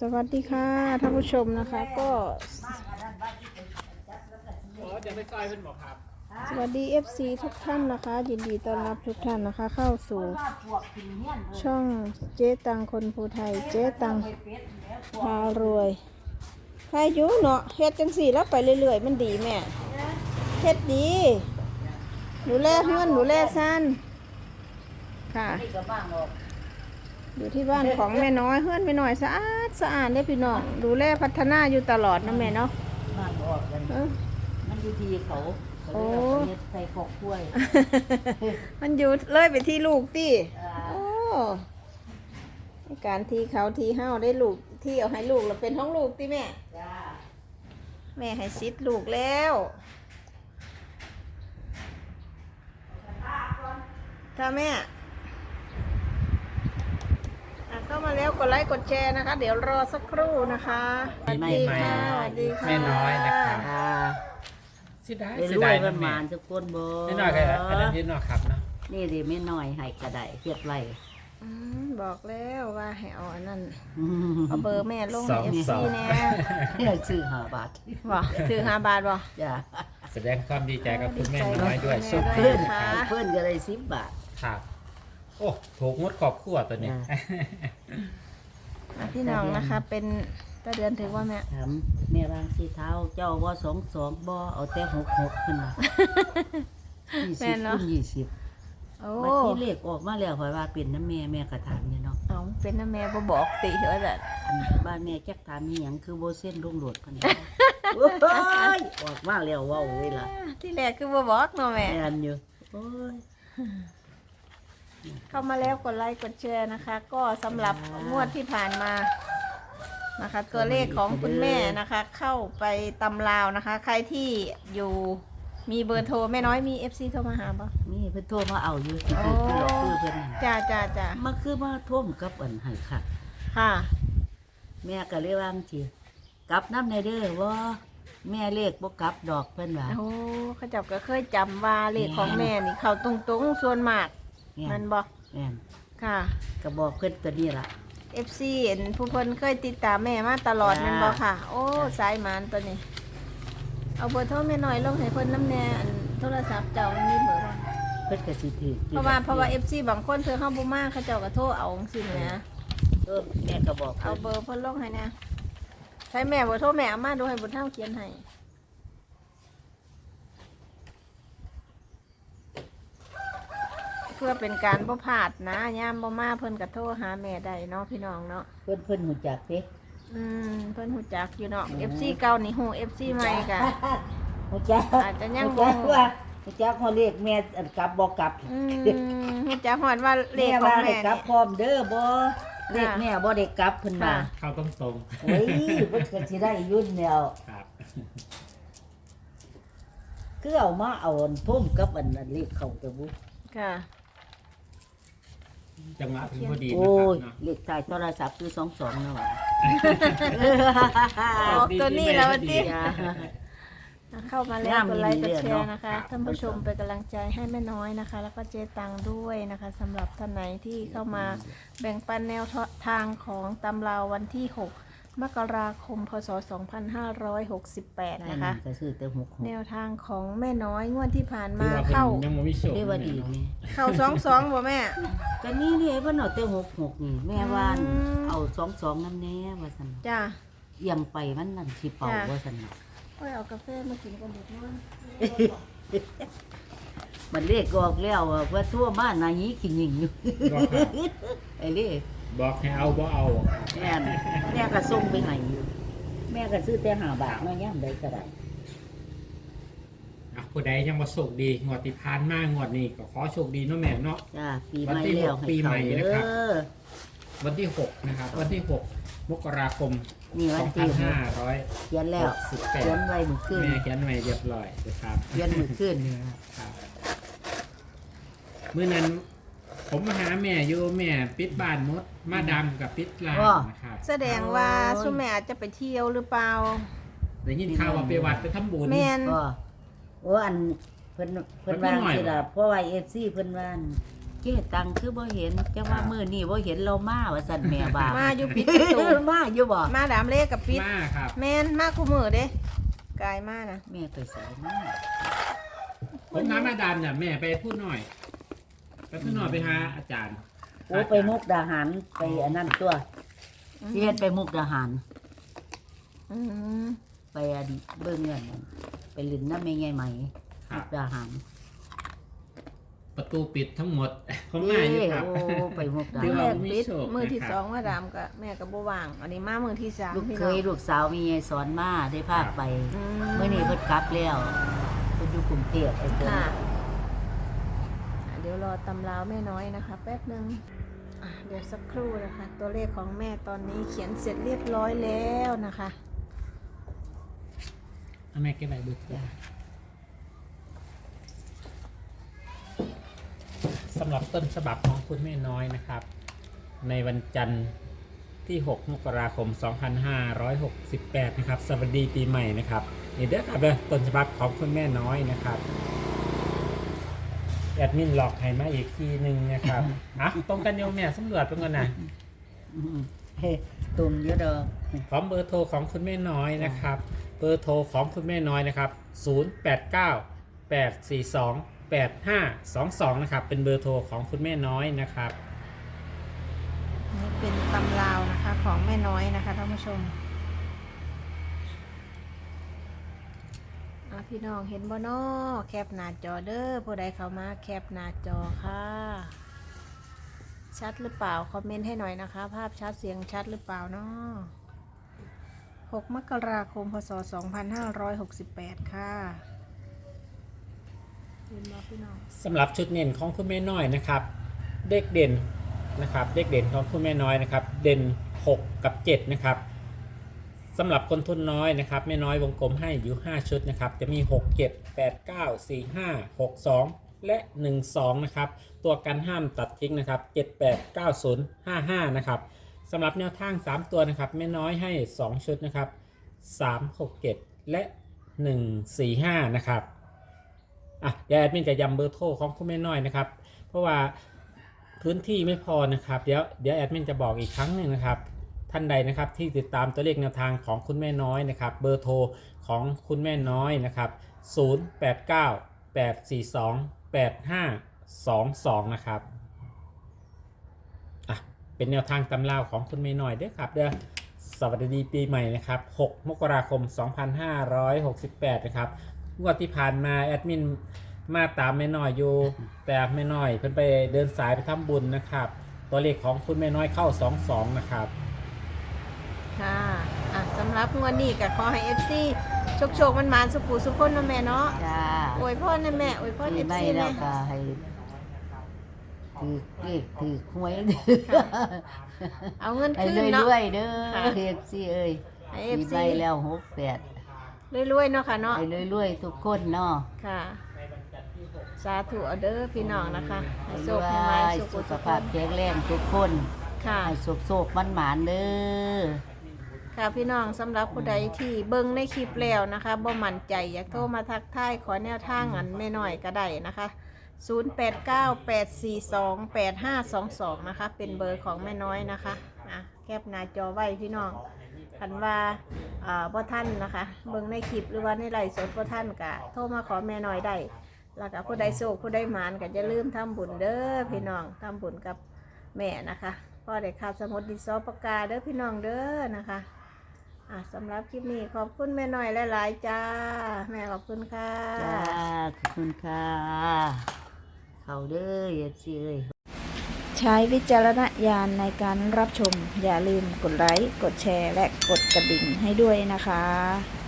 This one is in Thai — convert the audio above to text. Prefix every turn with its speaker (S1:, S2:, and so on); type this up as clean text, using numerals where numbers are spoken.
S1: สวัสดีค่ะท่านผู้ชมนะคะก็
S2: จะไปซอยเพิ่นบอกครับ
S1: สวัสดี FC ทุกท่านนะคะยินดีต้อนรับทุกท่านนะคะเข้าสู่ช่องเจ๊ตังคนภูไทยเจ๊ตังพารวยใครอยู่เนาะเฮ็ดจังสี่แล้วไปเรื่อยๆมันดีแม่เฮ็ดดีหนูแลเฮือนหนูแลซันค่ะอยู่ที่บ้านของแม่น้อยเฮือนแม่น้อยสะอาดสะอาดได้พี่น้องดูแลพัฒนาอยู่ตลอดนะแม่เนาะ
S3: มันอยู่ที่เขา
S1: โอ้
S3: ใส่ขอกกล้วย
S1: มันอยู่เลยไปที่ลูกติโอ้การทีเขาทีเฮาได้ลูกที่เอาให้ลูกเราเป็นท้องลูกติแม่แม่ให้ซิดลูกแล้วถ้าแม่เข้ามาแล้วกดไลค์กดแชร์นะคะเดี๋ยวรอสักครู่นะคะสวัสดีค่ะสวัสดีค่ะ
S2: แม่น้อยนะครับสิได้สิได้
S3: ประมาณทุกคนบ่
S2: แม่น้อยก็อันนั้นนิดหน่อยครับเนาะ
S3: นี่ดิแม่น้อยให้กระไดเฮ็ดไว้
S1: บอกแล้วว่าให้เอาอันนั้นเอาเบอร์แม่ลงใน FC แน่
S3: ซื้อ5 บาท
S1: บ่ถือ5 บาทบ่
S3: จ้ะ
S2: แสดงความดีใจกับคุณแม่น้อยด้วยสุด
S3: เพิ่นก็ได้10 บาท
S2: ครับโอ้ถูกงดขอบขั้วตัวนี้
S1: พี่น้องนะคะเป็นตาเดือนถือว่าแม่
S3: ถามแม่วางสีเท้าเจ้าบ่22บ่เอาแต่66ขึ้นมา20คูณ20
S1: โอ้
S3: บัดที่เลขออกมาแล้วข่อยว่าเป็นน้ำแม่ก็ถามอยู่เนาะ
S1: เอาเป็นน้ำแม่บ่บอกติว่าซั่น
S3: บ้านแม่จักถามอีหยังคือบ่เส้นลงโหลดพันโอ้ยออกมาแล้วเว้าเว้ยล่ะ
S1: ที่แรกคือบ่บอกเนาะแม่
S3: แม่นอยู่โอ้ย
S1: เข้ามาแล้วกดไลค์กดแชร์นะคะก็สำหรับงวดที่ผ่านมานะคะตัวเลขของคุณแม่นะคะเข้าไปตำราวนะคะใครที่อยู่มีเบอร์โทรแม่น้อยมี FC โทรมาหาป่ะ
S3: มีเพิ่นโทรมาเอาอยู่สิคือหลอกคือเพิ่น
S1: จ้า
S3: มาคือมาท่วมกับอันให้ค่ะ
S1: ค่ะ
S3: แม่ก็เลยว่าจังซี่กลับน้ำในเด้อว่าแม่เลขบ่กลับดอกเพิ่นว่า
S1: โอ้เขาเจ้าก็เคยจำว่าเลขของแม่นี่เข้าตรงๆส่วนมากมันบ่
S3: แม่น
S1: ค่ะ
S3: ก็บอกเพิ่นตัวนี้ล่ะ
S1: FC เห็นผู้เพิ่นเคยติดตามแม่มาตลอดนั่นบ่ค่ะโอ้สายหมานตัวนี้เอาเบอร์โทรแม่น้อยลงให้เพิ่นน้ำแน่อันโทรศัพท์เจ้ามีเบอร์บ่
S3: เพิ่นก็สิถือ
S1: เพราะว่า FC บางคนเธอเฮาบ่มาเขาเจ้าก็โทรเอาจังซี่นะ
S3: แม่ก็บอก
S1: เอาเบอร์เพิ่นลงให้นะใช้แม่บ่โทรแม่เอามาดูให้บุญเฒ่าเขียนให้เพื่อเป็นการบ่พลาดนะยามบ่มาเพิ่นก็โทรหาแม่ได้เนาะพี่น้องเนาะ
S3: เพิ่นหูจักเด้
S1: เพิ่นฮู้จักอยู่เนาะ FC เก่านี่ฮู้ FC ใหม่ก็
S3: ฮู้จัก
S1: อาจจะยังบ่ฮู้
S3: ฮู้จักฮอดเลขแม่อันกลับบ่กลับ
S1: ฮู้จักฮอดว่าเลขของแม่
S3: กลับพร้อมเด้อบ่เลขแม่บ่ได้กลับเพิ่นว่า
S2: เข้าตรง
S3: ๆโอ้ยเพิ่นก็สิได้ยุ่นแล้ว
S2: ครับ
S3: คือเอามาเอาทุ่มกับอันเลขเข้าแต่บ่
S1: ค่ะ
S2: จังหวะถึงพอดีนะ
S3: ครับ
S2: เนาะ
S3: เลขท้ายโทรศัพท์คือ22นะว่า
S1: ตัวนี้แล้วติเข้ามาแล้วกดไลค์กดแชร์นะคะท่านผู้ชมเป็นกำลังใจให้แม่น้อยนะคะแล้วก็เจ๊ตังด้วยนะคะสำหรับท่านไหนที่เข้ามาแบ่งปันแนวทางของตำราวันที่6มกราคมพศ2568นะคะแนวทางของแม่น้อยงวดที่ผ่านมาเข้า
S2: ยังบ่มีโชค
S3: เรียกว่าดีนี่
S1: เข้า22บ่แม่
S3: ก็นี่เด้เพิ่นเอาแต่66นี่แม่ว่าเอา22นำแน่ว่าซั่น
S1: จ้า
S3: เอียงไปมันนั่นสิเป่าว่าซั่น
S1: โอ้ยเอากาแฟมากินกันเด็กน้อย
S3: มันเลขออกแล้วว่าทั่วบ้านนายขี้หญิงอยู่ไอ้เลข
S2: บอกให้เอาบ่เอา
S3: แม่ก็ส่งไปให้อยู่แม่ก็ซื้อแต่5 บาทเนาะยามใดก็ได้
S2: ผู้ใดยังบ่โชคดีงวดที่ผ่านมางวดนี้ก็ขอโชคดีเนาะแม่เนาะ
S3: จ้าปีใหม่แล้ว
S2: ปีใหม่นะครับวันที่6นะครับวันที่6มกราคม
S3: นี่วันที่
S2: 2500
S3: เขียนแล้วเขียนไว้มื้อคืน
S2: แม่เขียนไว้เรียบร้อยนะครับ
S3: เขียนมื้อคืนนี่
S2: ครับมื้อนั้นผมมาหาแม่อยู่แม่ปิดบ้านมดมาดำกับปิดร้านนะครับ
S1: แสดงว่าซุแม่อาจจะไปเที่ยวหรือเปล่า
S2: ได้ยินข่าวว่าไปวัดไปทำบุญ
S1: แม่น
S3: โอ้อันเพิ่นว่าสิล่ะเพราะว่า FC เพิ่นว่าเจ๊ตังคือบ่เห็นจังว่ามื้อนี้บ่เห็นเรามาว่าซั่นแม่ว่า
S1: มาอยู่ปิดประตู
S3: มาอยู่บ่
S1: มาดามเลขกับปิด
S2: มาครับ
S1: แม่นมาคู่มือเด้กายมานะ
S3: แม่ไปใส่มา
S2: ผมหามาดามเนี่ยแม่ไปพูดหน่อยไปหาอาจารย์
S3: โอ้ไปมุกดาหารไปอันนั้นตัวเฮ็ดไปมุกดาหาร
S1: อืม
S3: ไปอันเบิ่งเงินไปลิ้นน้ำแม่ใหญ่ไหม
S2: ครั
S3: มุ
S2: บ
S3: กดาหาร
S2: ประตูปิดทั้งหมดผมมาอยู่ครับ
S3: โอ้ไปมุกดา
S2: ถือ
S3: หา
S1: แร
S3: ร
S1: ก
S2: ว่า
S1: ปิด
S2: มีโชค
S1: มือที่
S2: นะครับ
S1: สองมาดามกับแม่กับบ่ว่างอันนี้มามือที่สาม
S3: ลูก
S1: พี่
S3: เค
S1: น้อง
S3: ยลูกสาวมียายสอนมาได้พาไป
S1: อื
S3: เมื่อนี้เพิ่นกลับแล้วเพิ่นอยู่กรุงเทพไอ้เพิ่น
S1: ค่ะเดี๋ยวรอตำราวแม่น้อยนะคะ แป๊บนึงเดี๋ยวสักครู่นะคะ ตัวเลขของแม่ตอนนี้เขียนเสร็จเรียบร้อยแล้วนะคะ
S2: เอาแม่เก็บไว้ดูสำหรับต้นฉบับของคุณแม่น้อยนะครับ ในวันจันทร์ที่ 6 มกราคม 2568 นะครับสวัสดีปีใหม่นะครับนี่เด้อครับเด้อต้นฉบับของคุณแม่น้อยนะครับแอดมินหลอกให้มาอีกทีหนึ่งนะครับอ่ะตรงกันโยมแม่สำรวจเป็นก่อนนะ
S3: อืมเฮ้ตุ่มเยอะเด้อ
S2: พร้อมเบอร์โทรของคุณแม่น้อยนะครับเบอร์โทรของคุณแม่น้อยนะครับ0898428522นะครับเป็นเบอร์โทรของคุณแม่น้อยนะครับ
S1: นี่เป็นตำราวนะคะของแม่น้อยนะคะท่านผู้ชมพี่น้องเห็นบ่น้อแคปหน้าจอเด้อผู้ใดเข้ามาแคปหน้าจอค่ะชัดหรือเปล่าคอมเมนต์ให้หน่อยนะคะ ภาพชัดเสียงชัดหรือเปล่าเนาะ6 มกราคม พศ 2568 ค่ะเห็นบ่พี่น้อง
S2: สำหรับชุดเด่นของคุณแม่น้อยนะครับเด็กเด่นนะครับเด็กเด่นของคุณแม่น้อยนะครับเด่น6กับ7นะครับสำหรับคนทุนน้อยนะครับแม่น้อยวงกลมให้อยู่5ชุดนะครับจะมี6 7 8 9 4 5 6 2และ12นะครับตัวกันห้ามตัดทิ้งนะครับ7 8 9 0 5 5นะครับสำหรับแนวทาง3ตัวนะครับแม่น้อยให้2ชุดนะครับ3 6 7และ1 4 5นะครับเดี๋ยวแอดมินจะย้ำเบอร์โทรของคุณแม่น้อยนะครับเพราะว่าพื้นที่ไม่พอนะครับเดี๋ยวแอดมินจะบอกอีกครั้งหนึ่งนะครับท่านใดนะครับที่ติดตามตัวเลขแนวทางของคุณแม่น้อยนะครับเบอร์โทรของคุณแม่น้อยนะครับ0898428522นะครับเป็นแนวทางตำราของคุณแม่น้อยด้วยครับเด้อสวัสดีปีใหม่นะครับ6 มกราคม 2568นะครับงวดที่ผ่านมาแอดมินมาตามแม่น้อยอยู่แต่แม่น้อยเพิ่นไปเดินสายไปทำบุญนะครับตัวเลขของคุณแม่น้อยเข้า22นะครับ
S1: ค่ะสำหรับงวดนี้ก็ขอให้ FC โชคมันสุขุสุขคนนะแม่เนาะ
S3: จ้า
S1: อวยพรนะแม่อวยพร
S3: ปีใหม่
S1: FC
S3: แล้
S1: แม่
S3: วก็ให้ถือเลขถือหวย
S1: เอาเงิน
S3: ให้
S1: คืน
S3: ร
S1: เนาะ
S3: วยๆเด้อ
S1: ค่ะ
S3: เอฟซีเอ้ย
S1: ให้
S3: ปี
S1: FC
S3: ใหม่แล้ว68
S1: รวยๆเนาะค่ะเนาะ
S3: ให้รวยๆทุกคนเนาะ
S1: ค่ะ สาธุเอาเด้อพี่น้องนะคะให้โชคให้
S3: ร
S1: ไว้
S3: วย
S1: สุข
S3: สุข
S1: สุข
S3: ภาพแข็งแรงทุกคน
S1: ค่ะ
S3: ให้สุขๆมันหมานๆเด้อ
S1: ค่ะพี่น้องสำหรับผู้ใดที่เบิ่งในคลิปแล้วนะคะบ่มั่นใจอยากโทรมาทักทายขอแนวทางอันแม่น้อยก็ได้นะคะ0898428522นะคะเป็นเบอร์ของแม่น้อยนะคะแคปหน้าจอไว้พี่น้องคันว่าบ่ท่านนะคะเบิ่งในคลิปหรือว่าในไลฟ์สดบ่ท่านก็โทรมาขอแม่น้อยได้แล้วก็ผู้ใดโชคผู้ใดหมานก็อย่าลืมทำบุญเด้อพี่น้องทำบุญกับแม่นะคะพ่อได้ข่าวสมุดดินสอปากกาเด้อพี่น้องเด้อนะคะสำหรับคลิปนี้ขอบคุณแม่น้อยหลายๆจ้าแม่ขอบคุณค่ะ
S3: จ้าขอบคุณค่ะเขาเด้อเอฟซีเอ้ย
S1: ใช้วิจารณญาณในการรับชมอย่าลืมกดไลค์กดแชร์และกดกระดิ่งให้ด้วยนะคะ